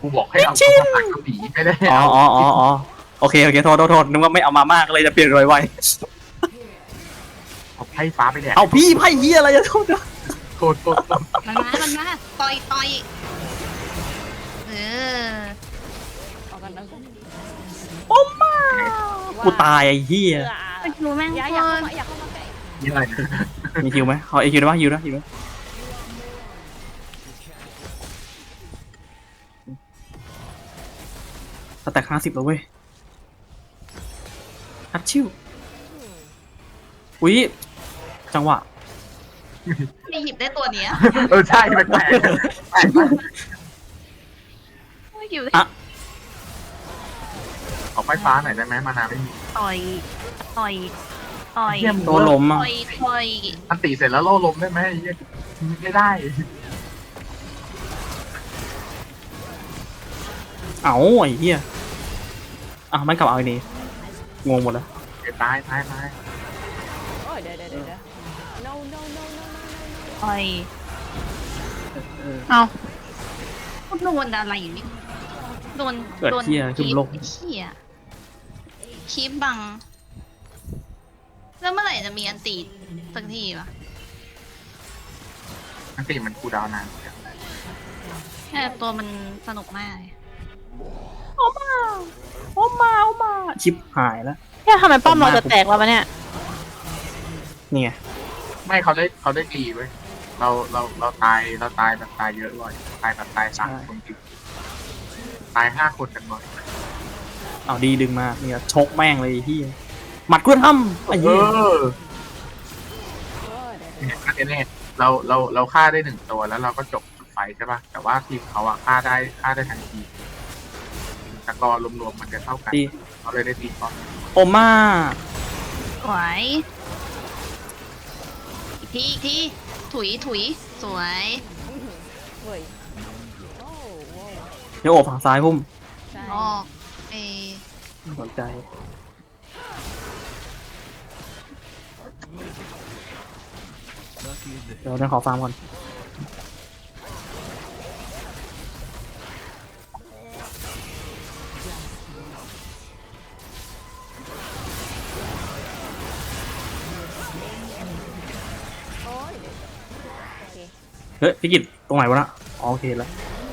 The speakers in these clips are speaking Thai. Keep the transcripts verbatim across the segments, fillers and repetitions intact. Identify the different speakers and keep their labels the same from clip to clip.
Speaker 1: กูบอกให้เอาตัวผักกระบี่ไม่ได้
Speaker 2: อ๋อ
Speaker 1: เอา
Speaker 2: อ๋ออ๋ออ๋อโอเคโอเคโทษโทษโทษนึกว่าไม่เอามามากเลยจะเปลี่ยนไว
Speaker 1: เอาไพ่ฟ้าไปแดก
Speaker 2: ๆเอาพี่ไพ่เฮียอะไรจะโทษนะ
Speaker 1: โทษโทษโทษ
Speaker 3: มันมามันมาต่อยต่อยเออ
Speaker 4: ออกกันนะ
Speaker 2: โอ้มากูตายไอ้เฮีย
Speaker 3: ไปดูแม่ง
Speaker 4: อย่า
Speaker 3: ค
Speaker 4: อย่าเข้าน มาอย่าเข้ามาใกล้
Speaker 1: นี่อะไร
Speaker 2: มีฮิวไหมเขาไอฮิวได้ปะฮิวนะฮิวนะสแต็กห้าสิบแล้วเว้ยฮัตชิวอุ้ยจังหวะ
Speaker 3: ไม่หยิบได้ตัวเนี้ย
Speaker 1: เออใช่แปลกแปลก
Speaker 3: ไม่หยิบได้
Speaker 2: อ่ะ
Speaker 1: ขอไพ่ฟ้าหน่อยได้ไหมมานาไม่มี
Speaker 3: ต่อยต่อยต่อย
Speaker 1: เยี่ยม
Speaker 2: โดนล้มอ่ะ
Speaker 3: ต่อยต่อย
Speaker 1: อันตีเสร็จแล้วโล่ลมได้ไหมไอ้เหี้ยไม่ได้
Speaker 2: เอาไอ้เหี้ยอ่ะมันกลับเอาไอ้นี่งงหมดแล้ว
Speaker 1: เดี๋ยวตายตายตาย
Speaker 4: โอ้ยเดี๋ยวเดี๋ยวเดี๋ยวเดี๋ยว no no no no no no
Speaker 3: ต่อยเอาโดนอะไรอยู่นี่โดน
Speaker 2: เกิด
Speaker 3: โดน
Speaker 2: เหี้ยขึ้นโลก
Speaker 3: เหี้ยคีบบัง แล้วเมื่อไหร่จะมีอันตีสักทีวะ
Speaker 1: อันตีมันคูลดาวน์นาน
Speaker 3: แค่ตัวมันสนุกมากเลย
Speaker 2: โอ้มาโอ้มาโอ้มาชิปหายแล้ว
Speaker 5: เนี่ยทำไมป้อมเราจะแตกแล้ววะเนี่ย
Speaker 2: นี่ไง
Speaker 1: ไม่เขาได้เขาได้ตีเว้ยเราเราเราตายเราตายแบบตายเยอะบ่อยตายแบบตายสามคนติดตายห้าคนกันบ่อย
Speaker 2: เอาดีดึงมาเนี่ยชกแม่งเลยไอ้เหี้ยหมัดกล้วยทำไอ้
Speaker 1: เอ
Speaker 2: เหี้ย
Speaker 1: อ
Speaker 4: โอ้ยเดี๋ยวเดี๋ยว
Speaker 1: เนี่ยเนี่ยเราเราเราฆ่าได้หนึ่งตัวแล้วเราก็จบไฟใช่ป่ะแต่ว่าทีมเขาอะฆ่าได้ฆ่าได้ทันทีตะกอรวมๆมันจะเท่ากัน
Speaker 2: ตี
Speaker 1: เขาเลยได้ตีก่อน
Speaker 2: โอมา
Speaker 3: สวยอีกทีอีกทีถุยถุยสวย
Speaker 4: เว้ยโอ้โห
Speaker 2: เดี๋ยวโอบฝั่งซ้ายพุ่ม
Speaker 4: ใช่
Speaker 3: ออกเอ
Speaker 2: สนใจเดี๋ยวเราขอฟาร์มก่อน
Speaker 4: โอ้ยเดี๋ยวโอเค
Speaker 2: เฮ้ยพี่กิตตรงไหนวะนะอ๋อโอเคแล้ว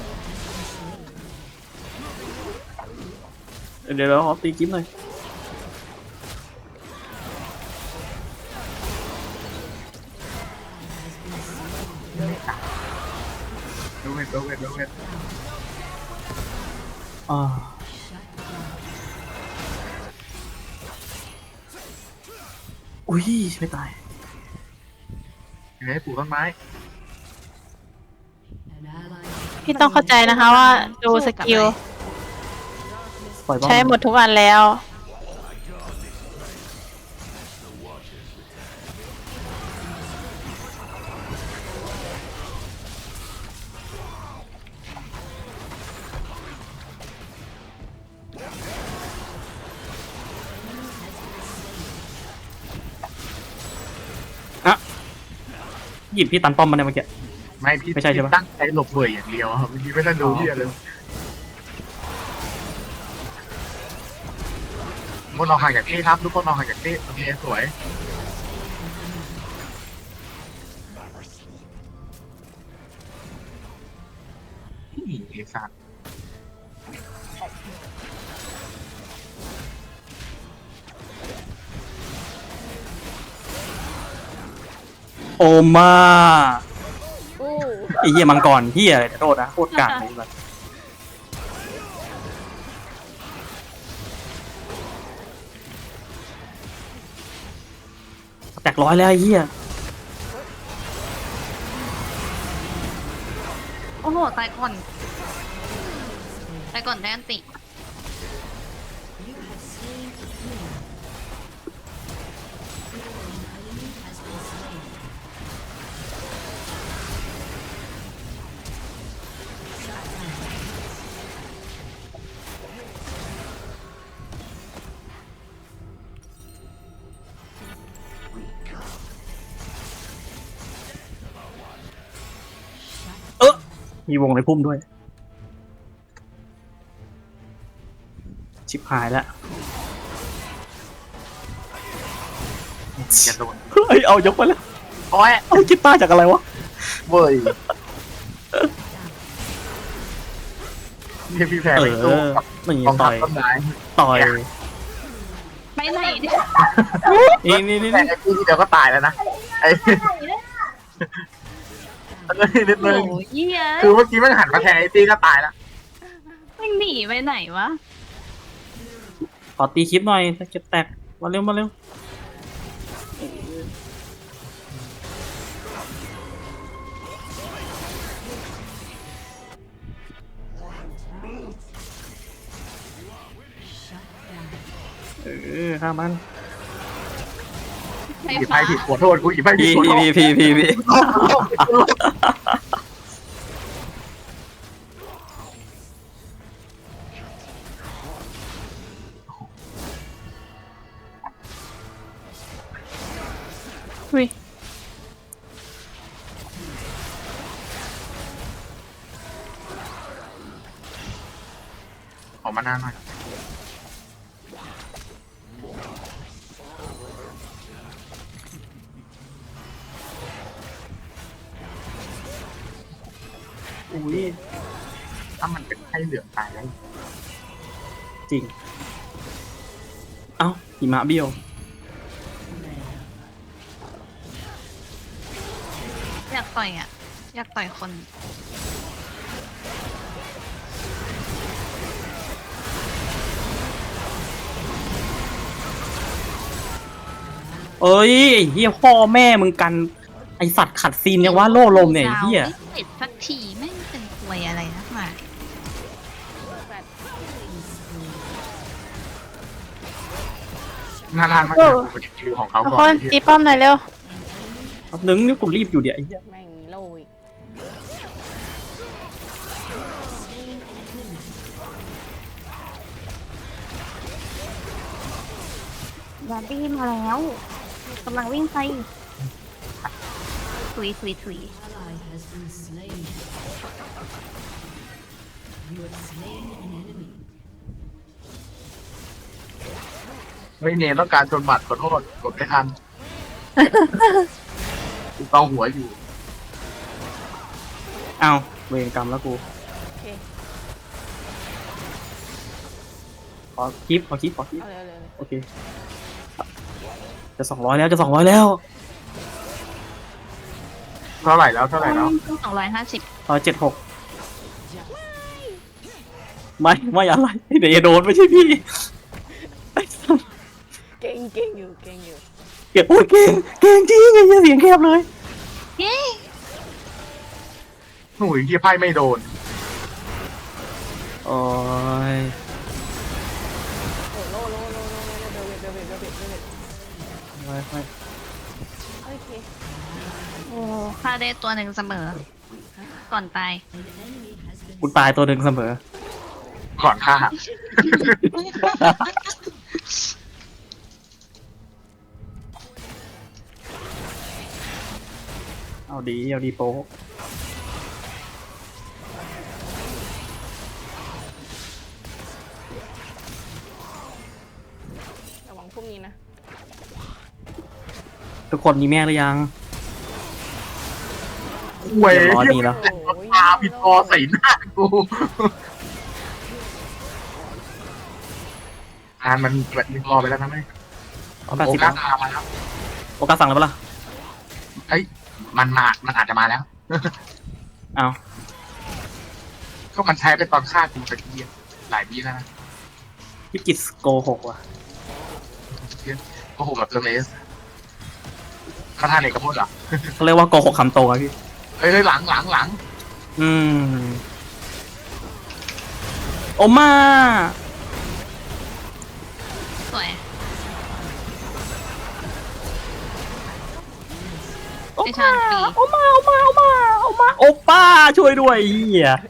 Speaker 2: เดี๋ยวเราขอตีกิ๊บหน่อย
Speaker 1: ดูเวทดูเวทดูเวท
Speaker 2: อ่าอุ้ยไม่ตาย
Speaker 1: ยังไงปลูกต้นไม้
Speaker 5: พี่ต้องเข้าใจนะคะว่าดูสกิล
Speaker 2: ปล่อยบ้าง
Speaker 5: ใช้หมดทุกอันแล้ว
Speaker 2: หยิบพี่ตันป้อมมาในเมื่อกี้
Speaker 1: ไม่พี่
Speaker 2: ไม่ใช่ใช่ปะ
Speaker 1: ตั้งใจหลบเบื่ออย่างเดียวครับพี่ไม่ได้ดูที่อะไรทุกคนลองห่างจากที่ครับทุกคนลองห่างจากที่โอเคสวยนี่ไอ้สัตว์
Speaker 2: โอมา
Speaker 4: อู้
Speaker 2: ไอ้เหี้ยมังกรเหี้ยอะไรแต่โทษนะโคตรกากเลยแบบแตกร้อยแล้วไอ้เหี้ย
Speaker 3: โอ้โหตายก่อนตายก่อนได้อันติ
Speaker 2: มีวงในพุ่มด้วยชิบหายแล้ว
Speaker 1: จะโดน
Speaker 2: เฮ้ยเอายกไปแล้ว
Speaker 1: โอ้ย
Speaker 2: เอากีตาร์จากอะไรวะ
Speaker 1: เว้ยนี่พี่แพร
Speaker 2: เอ
Speaker 1: ไปสู้
Speaker 2: อ
Speaker 1: กับ
Speaker 2: นี่
Speaker 1: กองทั
Speaker 2: ต่
Speaker 1: พ
Speaker 2: อย
Speaker 1: ต้นไม้
Speaker 2: ต่อย
Speaker 3: ไปไหนเนี่ย
Speaker 2: นี่นี่นี่
Speaker 1: แต่ไอ้พี่ที่เดียวก็ตายแล้วนะไอ้นิดนึ
Speaker 3: โอ้
Speaker 1: ง
Speaker 3: ยเหี้ย
Speaker 1: คือเมื่อกี้มันหันมาแทงไอ้ตีก็ตายแล้ว
Speaker 3: ไม่หนีไปไหนวะ
Speaker 2: ขอตีคลิปหน่อยจะแตกมาเร็วมาเร็วเออข้ามัน
Speaker 3: ไฟ
Speaker 1: หยิบไป
Speaker 3: ฟ้า
Speaker 1: ผิดขอโทษกูหยิบไปผิด
Speaker 2: พี่
Speaker 1: ขอโทษ
Speaker 2: พี่พี่พี่พี่
Speaker 5: อุ้ย
Speaker 1: ออกมาหน้าหน่อย
Speaker 2: อุ้ย
Speaker 1: ถ้ามันเป็นไข้เหลืองตายแล้ว
Speaker 2: จริง เอ้าหิมะเบี้ยว
Speaker 3: อยากต่อยอ่ะ อยากต่อยคน
Speaker 2: เอ้ยไอ้เฮียพ่อแม่มึงกันไอสัตว์ขัดซีนเนี่ยว่าโล่ลมเนี่ยไอ้เฮีย
Speaker 3: ไม่เสร็จสักทีไม่งเป็นควยอะไรนักหนา
Speaker 4: แฟด
Speaker 1: หน้าทานมากเลยเป็นคิวของเขา
Speaker 5: ทุก
Speaker 1: ก่
Speaker 5: ค
Speaker 1: อน
Speaker 5: นตีป้อมหน่อยเร็ว
Speaker 2: แป๊บนึงนี่กูรีบอยู่เดี๋ยวไอ้เฮีย
Speaker 4: แม่งโลอีก
Speaker 3: บาร์บี้มาแล้วกำลังวิ่งไปถุยถุยถุย
Speaker 1: ไม่เนต้องการชนบัตรขอโทษกดไม่ทันกูเกาหัวอยู่
Speaker 2: เอ้าเวรกรรมแล้วกู
Speaker 4: โอเค
Speaker 2: ขอคลิปขอคลิปขอคลิป
Speaker 4: เอาเลยเอาเลยเอาเลย
Speaker 2: โอเค จะสองร้อยแล้วจะสองร้อยแล้ว
Speaker 1: เท่าไหร่แล้วเท่าไหร่แล้ว
Speaker 3: สองร้อยห้าสิบ
Speaker 2: ร้อยเจ็ดหกไม่ไม่อะไรเดี๋ยวจะโดนไม่ใช่พี่
Speaker 4: เก่งเก่งอยู่เก่งอยู่
Speaker 2: เก่งโอ้ยเก่งเก่งจริงไอ้เหี้ยเสียงแคบเลย
Speaker 3: เย้
Speaker 1: หนุ่ยที่ไพ่ไม่โดน
Speaker 2: โอ้ย
Speaker 4: โอ้โลโลโลโลโลเดวิดเดวิดเดวิดเดวิด
Speaker 2: ไม่ไม่
Speaker 4: โอเค
Speaker 3: โอ้ค่าได้ตัวหนึ่งเสมอ ก่อนตาย
Speaker 2: กูตายตัวหนึ่งเสมอ
Speaker 1: ก่อนฆ่า
Speaker 2: เอาดีเอาดีโป๊ะ
Speaker 4: ระวังพวกนี้นะ
Speaker 2: ทุกคนมีแม่หรือยัง
Speaker 1: เว้ย
Speaker 2: เรียบร้อยมีแล้ว
Speaker 4: โอ้ย
Speaker 1: ตาผิดคอใส่หน้ากูอ่านมันแบบมีคอไปแล้วนะไหม
Speaker 2: เอาแปด
Speaker 1: โอ
Speaker 2: สิบ
Speaker 1: กาสตามมาแล้ว
Speaker 2: โอกาสสั่งแล้วปะล่ะ
Speaker 1: เอ้ยมันมามันอาจจะมาแล้ว
Speaker 2: เอา
Speaker 1: ก็มันใช้ไปตอนฆ่ากูตะกี้หลายปีแล้วนะ
Speaker 2: พี่กิจโกหกว่ะ
Speaker 1: โอ้โหแบบเทอร์เลสคาถาเอกพจน์เหรอ
Speaker 2: เขาเรียกว่าโกหกคำโตครับพี่
Speaker 1: เฮ้ยหลังหลังหลัง
Speaker 2: อืมโอมา
Speaker 3: สวย
Speaker 2: โอ
Speaker 3: ไอ้ชาญปี
Speaker 2: โอมาโอมาโอมาโอมาโอป้าช่วยด้วยเฮีย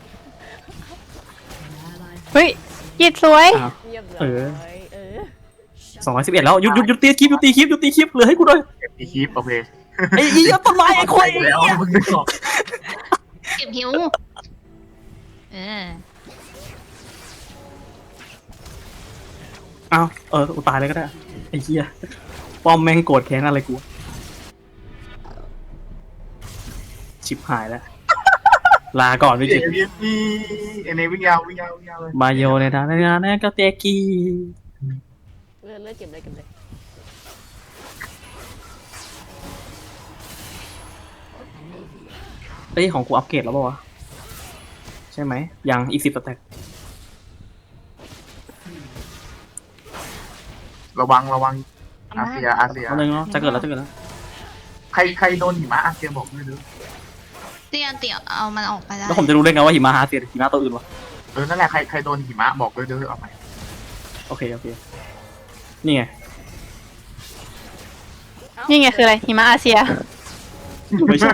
Speaker 5: เฮ้ยกีดสวย
Speaker 2: อ้าว
Speaker 4: เรียบร้
Speaker 2: เอ
Speaker 4: อ
Speaker 2: อ
Speaker 4: ยเออ
Speaker 2: สองร้อยสิบเอ็ดแล้วหยุดหยุดหยุดตีคลิปหยุดตีคลิปหยุดตีคลิปเหลือให้กูด้วย
Speaker 1: เก็บอีคีฟโอเค
Speaker 2: ไอ้อีต้นไม้ไอ้ควาย
Speaker 1: แล้วมึงนึกออก
Speaker 3: เก็บหิว เออ
Speaker 2: อ้าวเออกูตายเลยก็ได้ไอ้เหี้ยป้อมแม่งโกรธแค้นอะไรกูชิบหายแล้วลาก่อนพี่
Speaker 1: เอ
Speaker 2: จิ
Speaker 1: เนวีเอเนวิ่งยาววิ่งยาววิ่งยาวเลย
Speaker 2: มาโยในทางในงานนั่นก็เตะกี้
Speaker 4: เลือดเลือดเก็บเลยเก็บเลย
Speaker 2: เอ้ยของกูอัปเกรดแล้วป่าวะใช่ไหมยังอีกสิบสแต็ก
Speaker 1: ระวังระวังอาเซียอาเซีย
Speaker 2: เอาเลยเนาะจะเกิดแล้วจะเกิดแล้ว
Speaker 1: ใครใครโดนหิมะอาเซียบอกด้วยดู
Speaker 3: เตี้ยเตี้ยเอามันออกไปได้
Speaker 2: แล้วผมจะรู้ได้ไงว่าหิมะฮาเซียหรือหิมะตัวอื่นวะ
Speaker 1: เออนั่นแหละใครใครโดนหิมะบอกด้วยดูเอาไป
Speaker 2: โอเคโอเคนี่ไง
Speaker 5: นี่ไงคืออะไรหิมะอาเซีย
Speaker 2: ไม่ใช่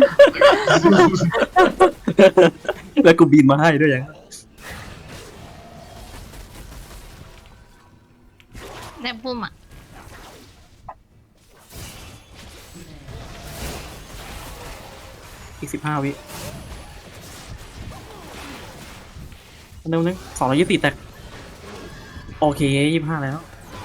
Speaker 2: แล้วกูบินมาให้ด้วยยัง
Speaker 3: ในพุ่มอ่ะ
Speaker 2: อีกสิบห้าวิเร็วนึงสองร้อยยี่สิบแตกโอเคยี่สิบห้าแล้ว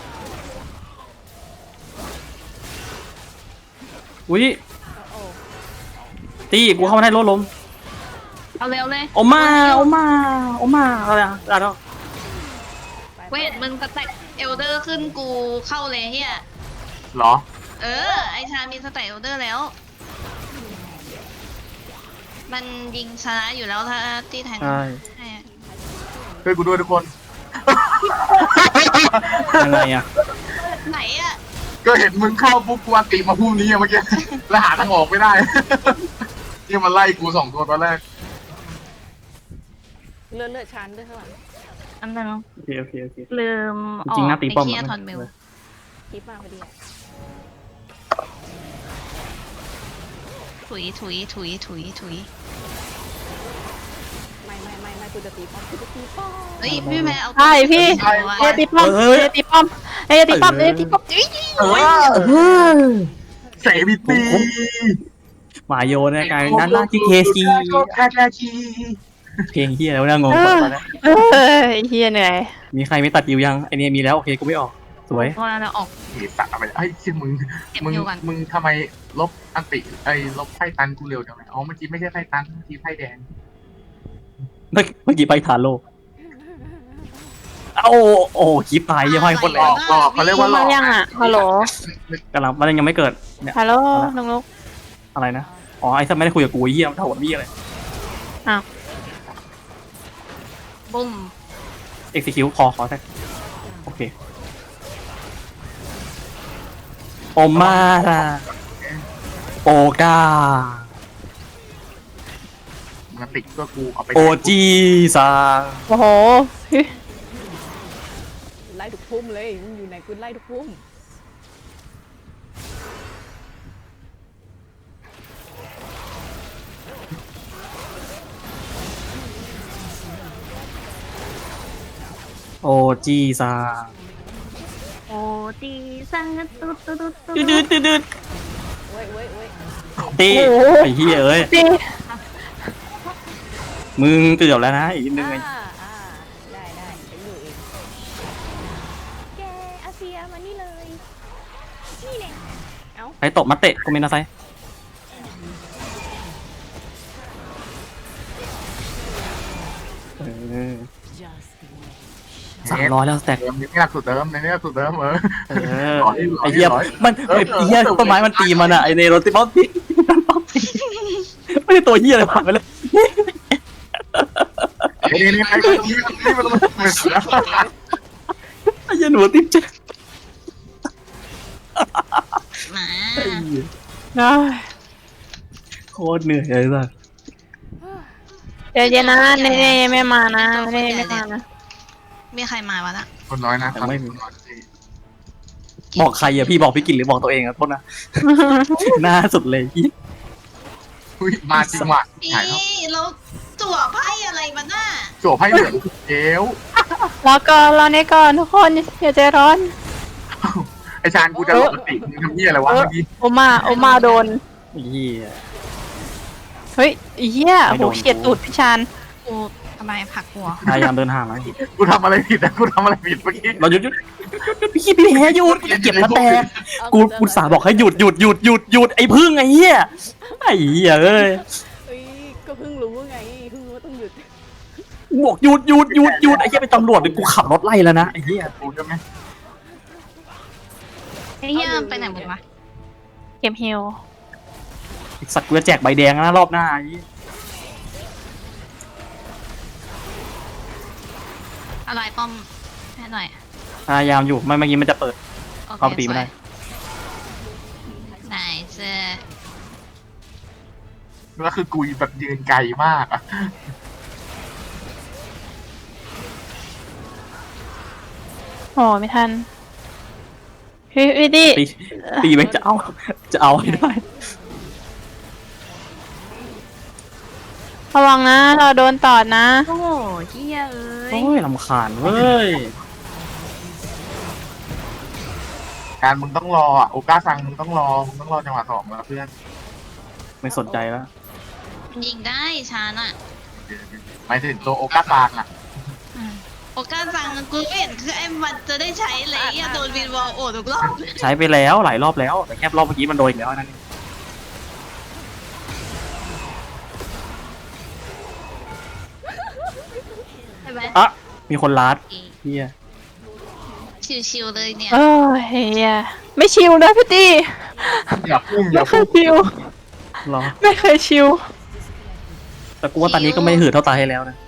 Speaker 2: อุ้ย
Speaker 4: โอ้
Speaker 2: ตีกูเข้ามาได้รถล้ม
Speaker 3: เอาเร็วเลย
Speaker 2: โอมาโอมาโอมาอะไรอ่ะอะไรอ่ะ
Speaker 4: ไป
Speaker 3: เวทมึงสแต็กเอลเดอร์ขึ้นกูเข้าเลยเฮีย
Speaker 1: เหรอ
Speaker 3: เออ ไอชามีสแต็กเอลเดอร์แล้ว มันยิงชนะอยู่แล้วถ้าที่แทง
Speaker 2: ใช่
Speaker 3: ให้อะ
Speaker 1: ช่วยกูด้วยทุกคน
Speaker 2: ยังไงอ่ะ
Speaker 3: ไหนอ่ะ
Speaker 1: ก็เห็นมึงเข้าปุ๊บกูอันติมาพุ่มนี้อะเมื่อกี้ แล้วหาทางออกไม่ได้ นี่มันไล่กูสองตัวตอนแรก
Speaker 4: เลือดเลือดชันด้วยข้างหลัง
Speaker 3: อันนั้น
Speaker 2: โอเคโอเคโอเค
Speaker 3: ลืม
Speaker 2: จริงๆหน้าตีป้อม
Speaker 3: ไปเคลีย
Speaker 2: อะ
Speaker 3: ร์ทอนเมล
Speaker 4: คลิปมาพอดีอะ
Speaker 3: ถุยถุยถุยถุยถุย
Speaker 4: ไม่ไม่ไม่ไม่กูจะตีป้อมกูจะตีป้อม
Speaker 3: เฮ้ยพี่แม่เอา
Speaker 5: ใช่พี่
Speaker 3: เอาไว้
Speaker 5: เอยตีป้อมเอยตีป้อมเอยตีป้อมเอยตีป้อม
Speaker 1: เออเสวิตี
Speaker 2: หมาโยนในการนั้นล่าที่เคซี
Speaker 1: แค่แค่ชี
Speaker 2: เพลงเฮียแล้วเนี่ยงงก่อนตอนนี้
Speaker 5: เออไอ้เฮียเหนื่อย
Speaker 2: มีใครไม่ตัดยิวยังไอเนี่ยมีแล้วโอเคกูไม่ออกสวย
Speaker 3: พอเราออก
Speaker 1: เหตุตัดอะไรไอ้ยเชี่ยมึง
Speaker 3: เก็บ
Speaker 1: มึง
Speaker 3: อยู่ก่อน
Speaker 1: มึงทำไมลบอันติไอ้ลบไพ่ตันกูเร็วจังเลยอ๋อเมื่อกี้ไม่ใช่ไพ่ตันเมื่อกี้ไพ่แดง
Speaker 2: เมื่อเมื่อกี้ไปทาโร่เอ้าโอ้คลิปตายยังไม่คน
Speaker 1: ห
Speaker 2: แร
Speaker 1: ลอก กหลอกเขาเรียกว่าหล
Speaker 5: มา
Speaker 1: อก
Speaker 5: ยังอ่ะฮัลโหล
Speaker 2: กำลังมันยังไม่เกิดเนี่ย
Speaker 5: ฮัลโหลน้องลูก
Speaker 2: อะไรนะอ๋อไอ้สัตว์ไม่ได้คุยกับกูไอ้เหี้ยมันเท่ากับพี่อะไร
Speaker 3: บุ้ม
Speaker 2: execute คอขอแท็กโอเคโอมาร่าโอกา
Speaker 1: มันติดก็กูเอาไป
Speaker 2: โอจีซา
Speaker 5: โอ้โห
Speaker 4: ไล่ทุกพุ่มเลยมึงอยู่ไหนกูไล่ทุกพุ่ม
Speaker 2: โอจีซา
Speaker 3: โอ้ตีสังตุ๊ดตุ๊ดตุ๊ด
Speaker 2: ดืดดืดดืดดืด
Speaker 4: เว้ยเว้ยเว้ย
Speaker 2: ตีไอ้เหี้ยเอ้ย
Speaker 5: ตี
Speaker 2: มึงเกือบแล้วนะอีกนิดนึงไง
Speaker 4: อ่าอ่าได้ได้ไปอยู่เองแกอาเซียมานี่เลยนี่แหละเอ้า
Speaker 2: ไอ้ตบมาเตะกูเมนนะไซเออสามร้อยแล้วสแต็ก
Speaker 1: เดิมในนี้หลักสุดเดิมในนี้หลักสุดเดิมเออ
Speaker 2: เออ
Speaker 1: ร้อยร้อย
Speaker 2: ไอ้เหี้ย
Speaker 1: ร้อย
Speaker 2: มันไอ้เหี้ยต้นไม้มันตีมันอะไอ้เนโรติมอสตีมันป๊อปตีไม่ใช่ตัวเหี้ยอะไรผ่านไปเลย
Speaker 1: ไอ้นี่นี่ไอ้คนนี้นี่มันมันเหมือนแล้ว
Speaker 2: ไอ้เหี้ยหนูติ๊บจะ
Speaker 3: หมา
Speaker 5: นะ
Speaker 2: โคตรเหนื่อยเลยสัส
Speaker 5: เดี๋ยวเย็นนะเน่เน่ไม่มานะเน่ไม่มานะ
Speaker 3: มีใครมาวะน่ะ
Speaker 1: คนน้อยนะ
Speaker 2: บอกใครอะพี่บอกพี่กินหรือบอกตัวเองอะโทษนะ หน้าสุดเลยพี่
Speaker 1: อุ้ยมาจริงว่ะ
Speaker 3: พี่
Speaker 1: ถ่ายแล้ว
Speaker 3: เราจั่วไพ่อะไรมาน่ะ
Speaker 1: โจบให้เหลืองเอว
Speaker 5: รอก่อนรอเน่ก่อนทุกคนอย่าใจร้อน
Speaker 1: ไอ้ชานกูจะหลบติมึงทำเหี้ยอะไรวะเมื่อกี้
Speaker 5: โอมาโอมาโดน
Speaker 2: ไอ้เหี้ย
Speaker 5: เฮ้ยไอ้เหี้ย
Speaker 2: ไม่
Speaker 5: โห
Speaker 2: โดน
Speaker 5: เฉียดตูดพี่ชาน
Speaker 3: กูทำำไมผลักหัว
Speaker 2: พยายามเดินห่างนะ
Speaker 1: กูทำอะไรผิดนะกูทำอะไรผิดเมื่อกี้
Speaker 2: เราหยุดหยุดหยุดหยุดพี่พี่แพ้หยุดเก็บแล้วแตก
Speaker 4: เอา
Speaker 2: กู
Speaker 4: เดิน
Speaker 2: กูสาบอกให้หยุดหยุดหยุดหยุดหยุดไอ้พึ่งไอ้เหี้ยไอ้เหี้ยเอ้ย
Speaker 4: เอ้ยก็เพิ่งรู้ไงเพิ่งรู้ว่าต้องหยุด
Speaker 2: กูบอกหยุดหยุดหยุดหยุดไอ้เหี้ยเป็นตำรวจเลยกูขับรถไล่แล้วนะไอ้เหี้ย
Speaker 1: กูใช่ไหม
Speaker 3: ไอ้เหี้ยไปไหนหมดวะ
Speaker 5: เก็บฮิว
Speaker 2: ไอ้สัตว์กูจะแจกใบแดงนะรอบหน้าไอ้เหี้ย
Speaker 3: อะไรป้อมให้หน่อย
Speaker 2: พยายามอยู่ไม่เมื่อกี้มันจะเปิด
Speaker 3: โอเค
Speaker 2: เข้าไปตีไม่ได้
Speaker 3: ไหนเจอ
Speaker 1: แล้วคือกูแบบยืนไกลมากอะ
Speaker 5: โอ้ไม่ทันพี่พี่ดิ
Speaker 2: ตีตีไปจะเอาจะเอาให้ได้
Speaker 5: ระวังนะ เราโดนตอดนะ
Speaker 3: โอ้โหเหี้ยเอ้ย
Speaker 2: โอ้ยลำคาญเว้ย
Speaker 1: การมึงต้องรออะโอกาซังมึงต้องรอมึงต้องรอจังหวะสองแล้วเพื่อน
Speaker 2: ไม่สนใจแล้ว
Speaker 3: มันยิงได้ชาน่ะ
Speaker 1: หมายถึงตัวโอกาซังอะ
Speaker 3: โอกาสสั่งกูไม่เห็นคือไอ้มันจะได้ใช้เลยอย่าโดนวินวอลโอทุกรอบ
Speaker 2: ใช้ไปแล้วหลายรอบแล้วแต่แค่รอบเมื่อกี้มันโดนอีกแล้วนั่นเอง
Speaker 3: ใช่ไหม
Speaker 2: อ่ะมีคนลัดเฮีย
Speaker 3: ชิวๆเลยเนี่ย
Speaker 5: เออเฮียไม่ชิวนะพี่ตี
Speaker 1: อย่าพุ่งอ
Speaker 5: ไม่
Speaker 1: ย่า
Speaker 5: เค
Speaker 1: พุ่
Speaker 5: ย
Speaker 1: ง
Speaker 5: ชิว
Speaker 2: รอ
Speaker 5: ไม่เคยชิว
Speaker 2: แต่กูว่าตอนนี้ก็ไม่หืดเท่าตาให้แล้วนะ